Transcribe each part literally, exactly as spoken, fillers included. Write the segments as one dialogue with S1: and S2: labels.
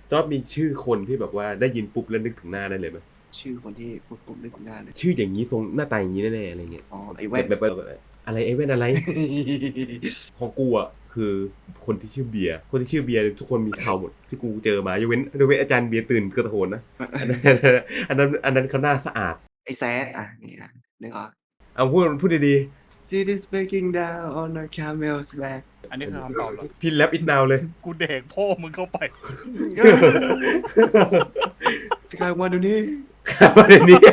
S1: จอร์จมีชื่อคนที่แบบว่าได้ยินปุ๊บแล้วนึกถึงหน้าได้เลยไหม
S2: ชื่อคนที่ปุ๊บปุ๊บนึกถึงหน้าเลย
S1: ชื่ออย่างนี้ทรงหน้าตาอย่างนี้แน่ๆอะไรเงี้ย
S2: อ๋อไอ้แว่น
S1: แบบแบบอะไรไอ้แว่นอะไร ของกูอ่ะคือคนที่ชื่อเบียร์คนที่ชื่อเบียร์ทุกคนมีข่าวหมดที่กูเจอมายกเว้นยกเว้นอาจารย์เบียร์ตื่นกระโถนนะอันนั้นอันนั้นอันนั้นเขาหน้าสะอาด
S2: ไอ้แซดอ่ะนี่อ่ะนึกออก
S1: เอาพูดพูดดี
S2: Cities breaking down on a camel's back
S3: อันนี้คือคำตอบเหรอ
S1: ๆพี่แรปอิทนาวเลย
S3: กูเด็กพ่อมึงเข้าไป
S2: พี่กายมาดูนี่
S1: ประเด็นนี้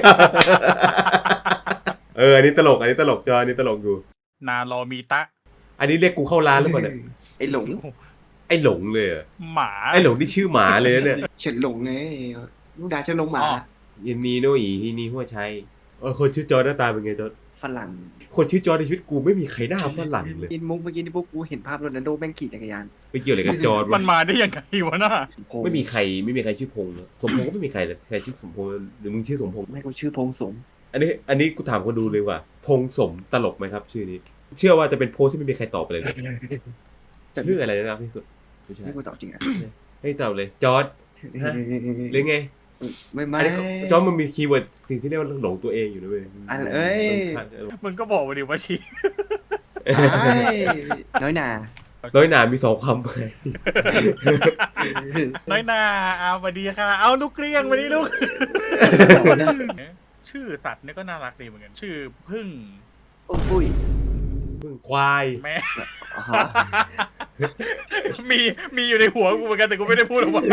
S1: เอออันนี้ตลกอันนี้ตลกจออันนี้ตลกอยู่
S3: นารอมีตะ
S1: อันนี้เรียกกูเข้าร้านหรือเปล่าเนี่ย
S2: ไอ้หลง
S1: ไอ้หลงเลยเหรอ
S3: หมา
S1: ไอ้หลงที่ชื่อหมาเลยนะเนี่ย
S2: เฉินหลงไงลูกดาเฉินหลงหมา
S1: ยินนีโนอีที่นี่หัวชัยเออคนชื่อจอหน้าตาเป็นไงจอ
S2: ฝรั่ง
S1: คนชื่อจอในชีวิตกูไม่มีใครหน้าฝรั่งเลย
S2: กินมุกเมื่อกี้นี่พวกกูเห็นภาพโรนัลโดแม่งขี่จักรยาน
S1: ไม่เกี่ยวอะไรกับจอ
S3: มันมาได้ยังไงวะน่ะ
S1: ไม่มีใครไม่มีใครชื่อพงษ์เลยสมพงษ์ก็ไม่มีใครเลยใครชื่อสมพงษ์หรือมึงชื่อสมพงษ์
S2: แม่งกูชื่อพงษ์สม
S1: อันนี้อันนี้กูถามคนดูเลยว่าพงษ์สมตลกไหมครับ ชื่อนี้ เชื่อว่าจะเป็นโพสที่ไม่มีใครตอบไปเลยนะชื่ออะไรนะที่สุดไม่ใช่
S2: ไม่กูตอบจริงอ่ะ
S1: ให้ตอบเลยจอร์ดหรือไง
S2: ไม่ไม่
S1: อันนี้จอร์ดมันมีคีย์เวิร์ดสิ่งที่เรียกว่าหลงตัวเองอยู่นะเว้ย
S2: อันเอ้ย
S3: มึงก็บอกมาดิว่าชี
S2: น้อยหนา
S1: น้อยหนามีสองคำไป
S3: น้อยหนาเอาสวัสดีค่ะ เอาลูกเกลี้ยงมาดิลูก ชื่อสัตว์เนี่ยก็น่ารักดีเหมือนกัน ชื่อพึ่ง
S2: โอ้ปุ้ย
S1: พึ่งควาย
S3: แม่
S2: อ๋อ
S3: มีมีอยู่ในหัวกูเหมือนกันแต่กูไม่ได้พูดออกมา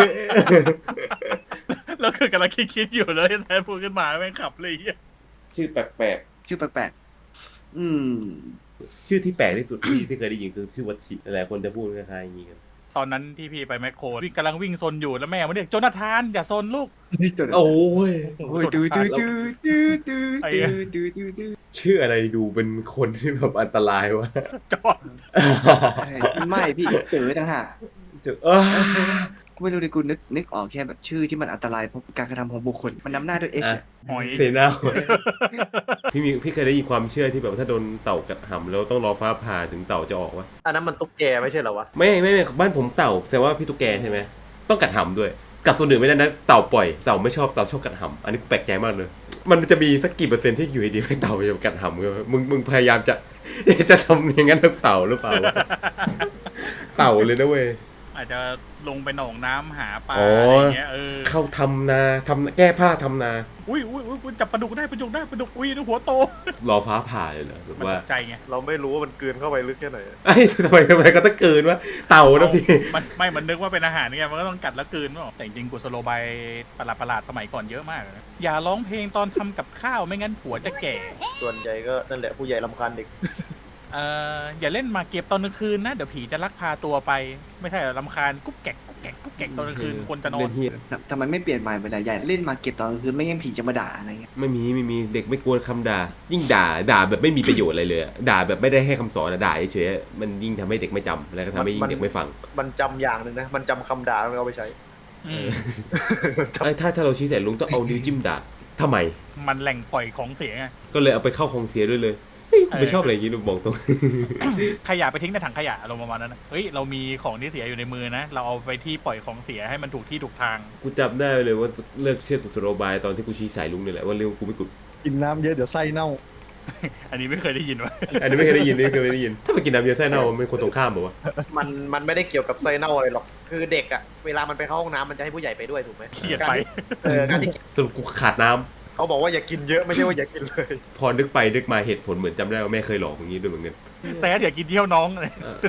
S3: แล้วคือกำลังคิดๆอยู่เลยแซนพูดขึ้นมาแม่งขับเลยอ่ะ
S1: ชื่อแปลก
S2: ชื่อแปลกๆอืม
S1: ๆชื่อที่แปลกที่สุดที่ที่เคยได้ยินคือชื่อวัชชิหลายคนจะพูดคล้ายๆอย่างนี้กัน
S3: ตอนนั้นที่พี่ไปแมคโครวิ่งกำลังวิ่งซนอยู่แล้วแม่มาเรียกโจนาธานอย่าซนลูก
S1: โอ้ย
S2: โอ้ยดูดูดูดูดูดูดูดูดู
S1: ชื่ออะไรดูเป็นคนที่แบบอันตรายวะ
S3: จอด
S2: ไม่พี่เต๋อต่างหาก
S1: เจอเออ
S2: กูไม่รู้เลยกูนึกนึกออกแค่แบบชื่อที่มันอันตรายเพราะการกระทำของบุคคลมันนำหน้าด้วยเอช
S3: หอย
S1: เซน่าพี่มีพี่เคยได้ยินความเชื่อที่แบบถ้าโดนเต่ากัดหำแล้วต้องรอฟ้าผ่าถึงเต่าจะออกวะ
S4: อันนั้นมันตุ๊กแกไม่ใช่เหรอวะ
S1: ไม่ไม่ไม่บ้านผมเต่าแต่ว่าพี่ตุ๊กแกใช่ไหมต้องกัดหำด้วยกัดส่วนอื่นไม่ได้นะเต่าปล่อยเต่าไม่ชอบเต่าชอบกัดหำอันนี้แปลกใจมากเลย มันจะมีสักกี่เปอร์เซ็นต์ที่อยู่ดีๆให้เต่าไปกัดหำกันมึงมึงพยายามจะจะทำอย่างนั้นหรือเปล่าหรือเปล่าเต่าเลยนะเว้ย
S3: อาจจะลงไปหนองน้ำหาปลา
S1: อ๋อ
S3: อะ
S1: อ
S3: ไรเงี้ยเออ
S1: เข้าทำนาทำแก้ผ้าทำนา
S3: อุ้ยอุ้ยอุ้ยอุ้ยจับปลาดุกได้ปลาดุกได้ปลาดุกอุ้ยหัวโต
S1: รอฟ้าผ่าเลยเหรอหรือ
S3: มัน
S1: ว่า
S3: ตกใจไง
S4: เราไม่รู้ว่ามันกลืนเข้าไปลึกแค่ไหน
S1: ไอ้ยทำไมทำไมก็ต้องเกินวะเต่านะพี่
S3: มันไม่มันนึกว่าเป็นอาหารไงมันก็ต้องกัดแล้วกลืนเปล่าแต่จริงๆกุศโลบายประหลาดประหลาดๆสมัยก่อนเยอะมากเลยนะอย่าร้องเพลงตอนทำกับข้าวไม่งั้นผัวจะแก่
S4: ส่วนใหญ่ก็นั่นแหละผู้ใหญ่รำคาญเด็ก
S3: เอ่ออย่าเล่นหมากเก็บตอนกลางคืนนะเดี๋ยวผีจะลักพาตัวไป ไม่ใช่เหรอรำคาญกุ๊กแกกกุ๊กแกกกุ๊กแกกตอนกลางคืนคนจะนอ
S1: เล่
S3: น
S1: นเหี้ย
S2: ทำไมไม่เปลี่ยนใหม่ไปเลยใหญ่เล่นมาเก็ตตอนกลางคืนไม่งั้นผีจะมาด่าอะไรเงี้ย
S1: ไม่มีไม่มีเด็กไม่กลัวคำด่า ยิ่งด่าด่าแบบไม่มีประโยชน์อะไรเลยอะด่าแบบไม่ได้ให้คำสอนอะด่าเฉยๆมันยิ่งทำให้เด็กไม่จำแล้วก็ทำให้ยิ่งเด็กไม่ฟัง
S4: มันจำอย่างหนึ่งนะ มันจำคำด่าแล้วเอาไปใช้
S3: อืม
S1: เอ้ยถ้าถ้าเราชี้ใส่ลุงต้องเอานิ้วจิ้มด่าทำไม
S3: มันแหล่งปล่อยของเสียไง
S1: ก็เลยเอาไปเข้าคงเสียด้วยเลยเฮ้ยกูไม่ชอบอะไรอย่างนี้หนูบอกตรง
S3: ขยะไปทิ้งในถังขยะลงประมาณนั้นนะเฮ้ยเรามีของที่เสียอยู่ในมือนะ เราเอาไปที่ปล่อยของเสียให้มันถูกที่ถูกทาง
S1: กูจำได้เลยว่าเลิกเชื่อกุศโลบายตอนที่กูชี้สายลุงนี่แหละว่าเรื่องกูไม่กุด
S5: กินน้ำเยอะเดี๋ยวไส้เน่า
S3: อันนี้ไม่เคยได้ยินวะ
S1: อันนี้ไม่เคยได้ยินไม่เคยได้ยิน ถ้าไปกินน้ำเยอะไส้เน่ามันเป็นคนตรงข้ามบอกว่า
S4: มันมันไม่ได้เกี่ยวกับไส้เน่าอะไรหรอก คือเด็กอะเวลามันไปเข้าห้องน้ำมันจะให้ผู้ใหญ่ไปด้วยถูกไหม
S3: เครียดไป
S4: การที่เออการที่
S1: สรุปกูขาดน้ำ
S4: เขาบอกว่าอย่ากินเยอะไม่ใช่ว่าอย่ากินเลย
S1: พอนึกไปนึกมาเหตุผลเหมือนจำได้ว่าแม่เคยหลอกอย่างนี้ด้วยเหมือนกัน
S3: แซดอย่ากินเที่ยวน้องเลย
S1: เออ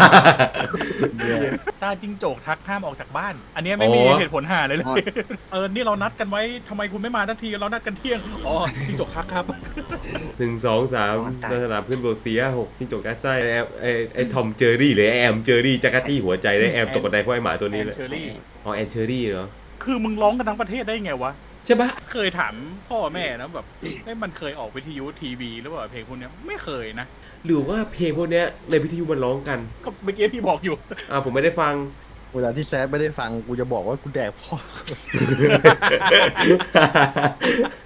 S3: ตาจิงโจกทักห้ามออกจากบ้าน อันนี้ไม่มี
S1: อ๋อ
S3: เหตุผลหาเลยเลย เออ นี่เรานัดกันไว้ทำไมคุณไม่มาทันที เรานัดกันเที่ยง อ๋อจิงโจกทักครับ
S1: หนึ่งสองสามลักษณะเพื่อนโบเซียหกที่จกแก๊สไส้ไอ้ไอ้ไอ้ทอมเจอรี่หรือไอ้แอมเจอรี่จักรตี้หัวใจได้แอมตกกระไดเพราะไอ้หมาตัวนี้แหละ
S3: แอนเชอรี่
S1: อ๋อแอนเชอรี่เหรอ
S3: คือมึงร้องกันทั้งประเทศได้ไงวะ
S1: ใช่ปะ
S3: เคยถามพ่อแม่นะแบบเอ้ยมันเคยออกวิทยุทีวีหรือเปล่าเพลงพวกเนี้ยไม่เคยนะ
S1: หรือว่าเพลงพวกเนี้ยในวิทยุมันร้องกัน
S3: ก็เมื่อกี้พี่บอกอยู่
S1: อ่าผมไม่ได้ฟัง
S5: เวลาที่แซดไม่ได้ฟังกูจะบอกว่ากูแดกพ่อ